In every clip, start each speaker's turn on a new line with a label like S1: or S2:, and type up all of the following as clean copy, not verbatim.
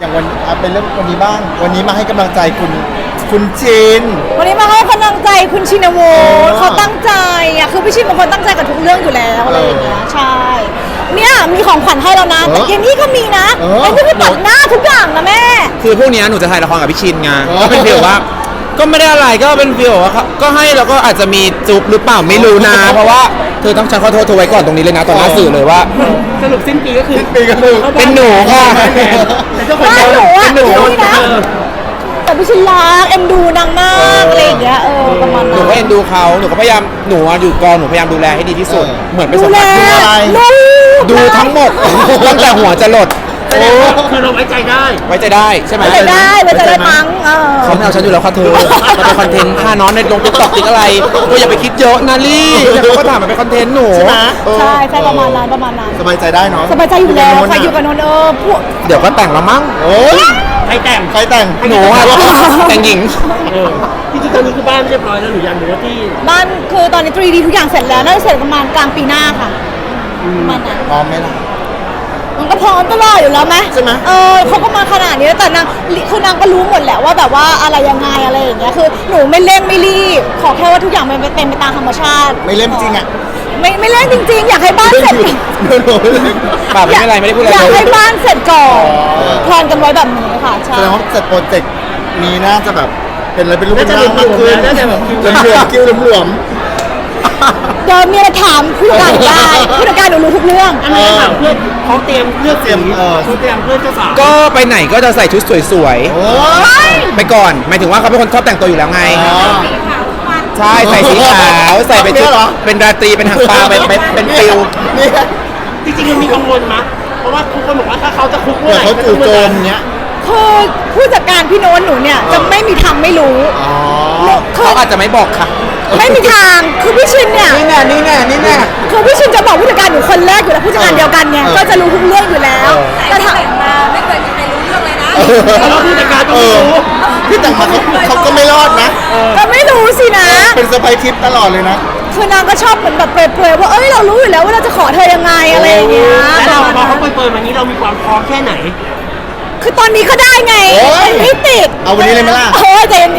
S1: อย่างวันเป็นเรื่องวันนี้บ้างวันนี้มาให้กำลังใจคุณชิน
S2: วันนี้มาให้กำลังใจคุณชินวุฒิเขาตั้งใจอ่ะคือพี่ชินเป็นคนตั้งใจกับทุกเรื่องอยู่แล้วอะไรอย่างเงี้ยใช่เนี่ยมีของขวัญให้แล้วนะแต่เย็นนี้ก็มีนะไอ้ที่พี่ตัดหน้าทุกอย่างนะแม่
S3: คือพวกนี้หนูจะถ่ายละครกับพี่ชินไงก็เป็นฟีลว่าก็ไม่ได้อะไรก็เป็นฟีลว่าก็ให้แล้วก็อาจจะมีจุ๊บหรือเปล่าไม่รู้นะเพราะว่าเธอต้องฉันขอโทษเธอไว้ก่อนตรงนี้เลยนะต่อหน้าสื่อเลยว่า
S4: สรุปสิ้นปีก็คือ
S3: เป็นหนูค่ะ
S2: บ้านหนูอ่ะนี่นะแต่พี่ชินรักเอ็นดูนางมากอะไรอย่างเงี้ยประมาณนั้น
S3: หนูก็เอ็นดูเขาหนูก็พยายามหนูอยู่กองหนูพยายามดูแลให้ดีที่สุดเหมือนไปสัมผัสดูทั้งหมดตั้งแต่หัวจะหลด
S4: คือเราไว้ใจ
S3: ได้ใช่ไหม
S2: ไว้ใจได้มั้ง
S3: เขาไม่เอาฉันอยู่แล้วค่ะเธอมันเป็นคอนเทนต์ถ้าน้องในลงติ๊กต็อกติ๊กอะไรก็อย่าไปคิดเยอะนะลี่เขาก็ถามมันเป็นคอนเทนต์หนู
S2: ใช่ประมาณนั้น
S1: สบายใจได้เนาะ
S2: สบายใจอยู่แล้วใครอยู่กับนนท์พวก
S3: เดี๋ยวก็แต่งแล้วมั้ง
S4: ใครแต่ง
S3: หนูอะแต่งหญิง
S4: ที่จริงตอนนี้คือบ้านเรียบร้อยแล้วหรือยังหรือว่าที่
S2: บ้านคือตอนนี้ 3D ทุกอย่างเสร็จแล้วน่าจะเสร็จประมาณกลางปีหน้าค่ะประมาณนั้น
S1: พร้อมไหมล่ะ
S2: มันก็พร้อมตลอดอยู่แล้วไหม
S1: ใช่ไหม
S2: เขาก็มาขนาดนี้แต่นางคือนางก็รู้หมดแหละว่าแบบว่าอะไรยังไงอะไรอย่างเงี้ยคือหนูไม่เร่งไม่รีบขอแค่ว่าทุกอย่างมันเป็นไปตามธรรมชาติ
S1: ไม่เล่นจริงอ่ะ
S2: ไม่เร่งจริงๆอยากให้บ้านเสร็จ
S3: ป่าไม่เป็นไรไม่ได้พูดอะไร
S2: อยากให้บ้านเสร็จก่อนแพลนกันไว้แบบนี้ค่ะใช่
S1: แสดงว่าเสร็จโปรเจกต์นี้น่าจะแบบเป็นอะไรเป็นรูปเป็นร่างมากขึ้นน่าจะแบบคิ้วหลวม
S2: เดี๋ยวมีอะไรถามผู้จัดการได้ผู้จัดการหนูรู้ทุกเรื่อง
S4: อันนี้ถามเพื่อนเขาเตรียมเลือกสีเขาเตรียมเพื่อนเจ้าสาว
S3: ก็ไปไหนก็จะใส่ชุดสวยๆไปก่อนหมายถึงว่าเขาเป็นคนชอบแต่งตัวอยู่แล้วไงใช่ใส่สีขาวใส่เป็นชุดเป็นราตรีเป็นหางปลาเป็นฟิล
S4: จริงๆมันมีกังวลมั้ยเพราะว่าทุกคนบอกว่าถ้าเขาจะคุกเมื่อไหร่
S1: เขาจู่โจมเนี้ย
S2: คือผู้จัดการพี่โน้นหนูเนี่ยจะไม่มีทางไม่รู้
S3: เขาอาจจะไม่บอกค่ะ
S2: ไม่มีทางคือพี่ชินเนี่ย
S3: นี่แน่
S2: คือพี่ชินจะบอกผู้จัดการหนูคนแรกอยู่แล้วผู้จัดการเดียวกันเนี่ยก็จะรู้ทุกเรื่องอยู่แล้วแต่ถามมาไม่เคยมีใครรู้เรื่องเลยนะ
S4: แล้วผู้จัดการต้องรู้
S1: พี่แต่งมาเขาก็ไม่รอดนะ
S2: ก็ไม่รู้สินะ
S1: เป็นเซอร์ไพรส์ทิปตลอดเลยนะ
S2: คือนางก็ชอบเหมือนแบบเปรยๆว่าเรารู้อยู่แล้วว่าเราจะขอเธอยังไงอะไรอย่างเงี้ย
S4: แล้วพอเขาเปิดมานี้เรามีความพร้อมแค่ไหน
S2: คือตอนนี้ก็ได้ไงไม่ติด
S1: เอาวันนี้เลยไหมล่ะ
S2: ใจเย็น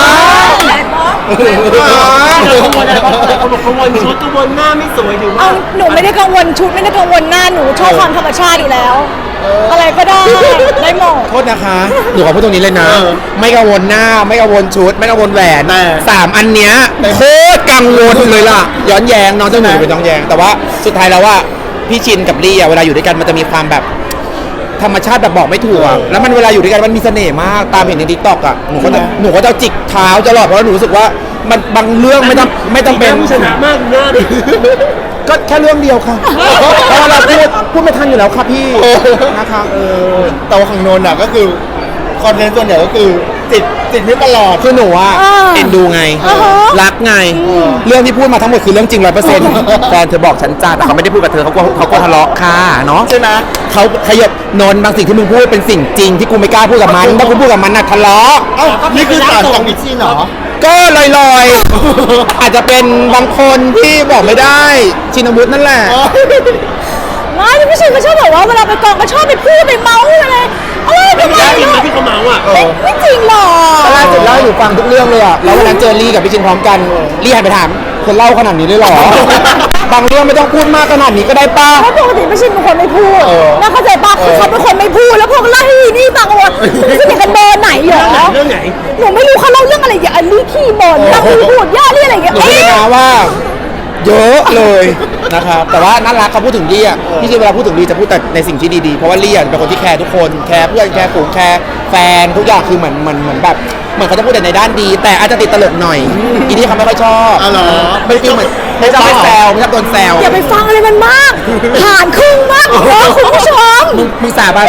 S4: กังวลอะไรบ้างเขาบอกกังวลชุดกังวลหน้าไม่สวยหรือว่า
S2: หนูไม่ได้กังวลชุดไม่ได้กังวลหน้าหนูชอบความธรรมชาติอยู่แล้วอะไรก็ได้หมด
S3: โทษนะคะหนูขอพูดตรงนี้เลยนะไม่กังวลหน้าไม่กังวลชุดไม่กังวลแหวน3 อันเนี้ยโคตรกังวลเลยล่ะย้อนแย้งน้องเจ้าหนูเป็นย้อนแย้งแต่ว่าสุดท้ายแล้วว่าพี่ชินกับลี่เวลาอยู่ด้วยกันมันจะมีความแบบธรรมชาติแบบบอกไม่ถูกแล้วมันเวลาอยู่ด้วยกันมันมีเสน่ห์มากตามเห็นในทิกตอกอ่ะหนูก็จะจิกเท้าตลอดเพราะหนูรู้สึกว่ามันบางเรื่องไม่ต้องเป็น
S4: ชนะมากเนื้อ
S3: ก็แค่เรื่องเดียวค่ะเพราะเราพูดไม่ทันอยู่แล้วครับพี่นะคะ
S1: แต่ว่าของโนนอ่ะก็คือคอนเทนต์ส่วนใหญ่ก็คือติดไม่ตลอด
S3: คือหนูอ่ะเอ็นดูไงรักไงเรื่องที่พูดมาทั้งหมดคือเรื่องจริง 100% แฟนเธอบอกฉันจ้าแต่เขาไม่ได้พูดกับเธอเขาก็ทะเลาะค่ะเนาะ
S1: ใช่ไหม
S3: เขาขยับนนบางสิ่งที่มึงพูดเป็นสิ่งจริงที่กูไม่กล้าพูดกับมันถ้ากูพูดกับมันน่ะทะเลาะ
S1: นี่คือสารของพิชชี่เนาะ
S3: ก็ลอยๆอาจจะเป็นบางคนที่บอกไม่ได้ชินวุฒินั่นแหละ
S2: ไม่พี่ชินก็ชอบบอกว่าเวลาไปกองก็ชอบไปพูดไปเมาอะไร
S4: ไม่ได้จริงไหมที่เขาเมาอ่ะ
S2: ไม่จริงหรอก
S3: ล่าสุดเล่าให้หนูฟังทุกเรื่องเลยอ่ะแล้ววันนั้นเจอลี่กับพี่ชินพร้อมกันลี่หันไปถามคนเล่าขนาดนี้เลยหรอบางเรื่องไม่ต้องพูดมากขนาดนี้ก็ได้ป้า
S2: เพราะปกติพี่ชินเป็นคนไม่พูดน่าเข้าใจป้าคือเขาเป็นคนไม่พูดแล้วพวกเล่านี่ฟังว่าพี่ชินกันเบอร์ไหนเหรอ
S4: เรื่องไหน
S2: หนูไม่รู้เขาเล่าเรื่องอะไรอย่างลี่ขี้บ่นนั่งพูดย่าลี่อะไรอย่างเงี้ย
S3: หนูไม่รู้นะว่าเยอะเลยนะครับแต่ว่าน่ารักเขาพูดถึงลี่อ่ะพี่ชินเวลาพูดถึงลี่จะพูดแต่ในสิ่งที่ดีๆเพราะว่าลี่เป็นคนที่แคร์ทุกคนแคร์เพื่อนแคร์ฝูงแคร์แฟนทุกอย่างคือเหมือนแบบเหมือนเขาจะพูดแต่ในด้านดีแต่อาจจะติดตลกหน่อยอีนี่เขาไม่ค่อยชอบไม่ฟีลเหมือนไม่ชอบแซวไม่ชอบโดนแซว
S2: อย่าไปฟังอะไรมันมากผ่านครึ่งมากคุณผู้ชม
S3: มึงสาบาน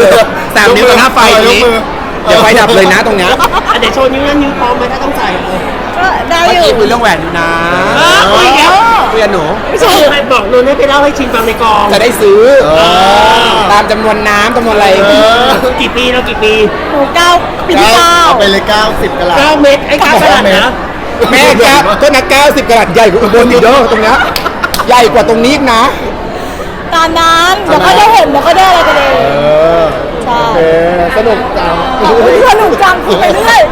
S3: 3 นิ้วต่อหน้าไฟนี้เดี๋ยวไฟดับเลยนะตรงเนี้ย
S4: เดี๋ยวโชว์นิ้วนั้นนิ้วพร้อมไหมถ้าต้องใส่
S2: ก็ได้อยู่
S3: เมื่อกี้คุยเรื่องแหวนอยู่นะ
S4: คุยแล้ว
S3: คุยกับหนู
S4: ไม่ใช่ใครบอกนนท์ให้ไปเล่าให้ชินฟังในกอง
S3: จะได้ซื้อตามจำนวนน้ำจำนวนอะไร
S4: กี่ปีแล้วกี่ปี
S2: หนู9 ปีที่ 9
S1: เอาไปเลย90 กะรัต
S4: 9 เม็ดไอ้9 กะรัตนะ
S3: แม่ก็นัก90 กะรัตใหญ่กว่าอุบลอยู่เด้อตรงเนี้ยใหญ่กว่าตรงนี้นะ
S2: ตามนั้นเดี๋ยวก็ได้เห็นเดี๋ยวก็ได้อะไรกันเองใช่
S3: สนุกจัง
S2: สนุกจังคุยไปเรื่อย